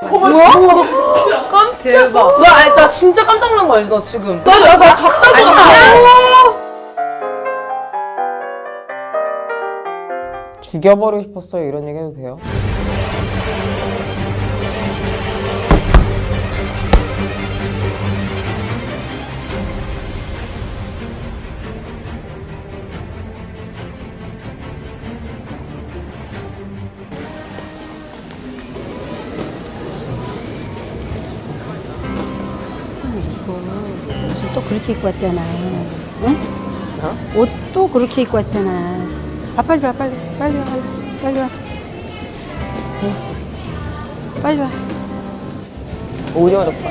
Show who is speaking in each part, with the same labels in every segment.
Speaker 1: 뭐야? 깜짝 대박. 나 진짜 깜짝 놀란 거 알지? 나 지금. 나 각성했다. 죽여버리고 싶었어요. 이런 얘기 해도 돼요?
Speaker 2: 또 그렇게 입고 왔잖아. 응? 옷도 그렇게 입고 왔잖아. 빨리 와, 빨리 와, 빨리 와. 빨리 와.
Speaker 1: 오히려 어렵다.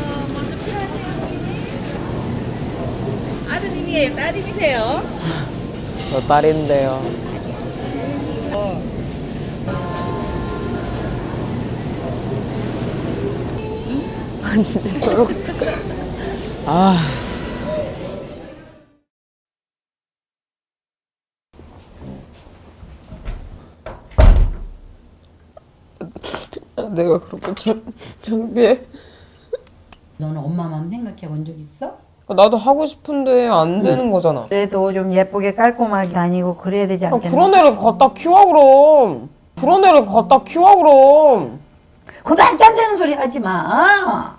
Speaker 3: 아드님이에요? 딸이세요?
Speaker 1: 저 딸인데요. 진짜 저러고. 아. 내가 그렇게 창피해.
Speaker 2: 너는 엄마 마음 생각해 본 적 있어?
Speaker 1: 나도 하고 싶은데 안 되는 거잖아.
Speaker 2: 그래도 좀 예쁘게 깔끔하게 다니고 그래야 되지 않겠나?
Speaker 1: 그런 애를 갖다 키워 그럼. 그런 애를 갖다 키워 그럼.
Speaker 2: 그 말도 안 되는 소리 하지 마.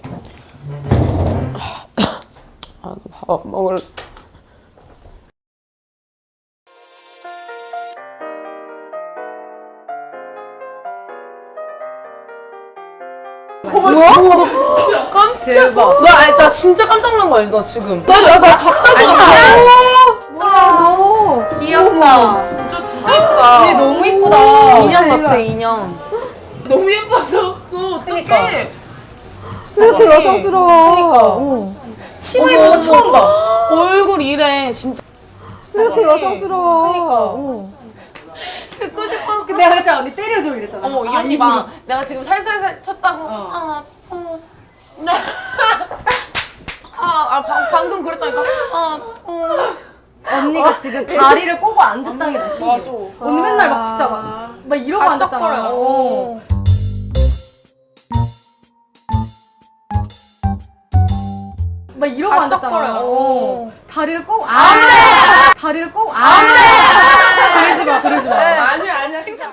Speaker 1: 나 밥 안 먹을래. 뭐야? 깜짝 대박. 나 진짜 깜짝 놀란 거 알지? 나 지금. 나 각성했다.
Speaker 2: 뭐야 너?
Speaker 1: 귀엽다. 진짜 예쁘다.
Speaker 3: 얘 너무 이쁘다.
Speaker 1: 인형 같아, 인형. 너무 예뻐졌어. 어떡해.
Speaker 2: 왜 이렇게 여성스러워?
Speaker 1: 치마 입은 거 처음 봐. 얼굴 이래, 진짜.
Speaker 2: 왜 이렇게 여성스러워?
Speaker 1: 듣고 싶었어.
Speaker 3: 내가 그랬잖아. 언니 때려줘 이랬잖아.
Speaker 1: 어머, 이 언니 막 내가 지금 살살살 쳤다고. 방금 그랬다니까.
Speaker 3: 언니가 지금 다리를 꼬고 앉았다는 게 신기해. 맞아. 언니 맨날 막 진짜 막 이러고 앉았잖아. 막 이러고 앉았잖아. 다리를 꼬고 안 돼. 다리를 꼬고 안 돼. 그러지 마. 아니야. 칭찬.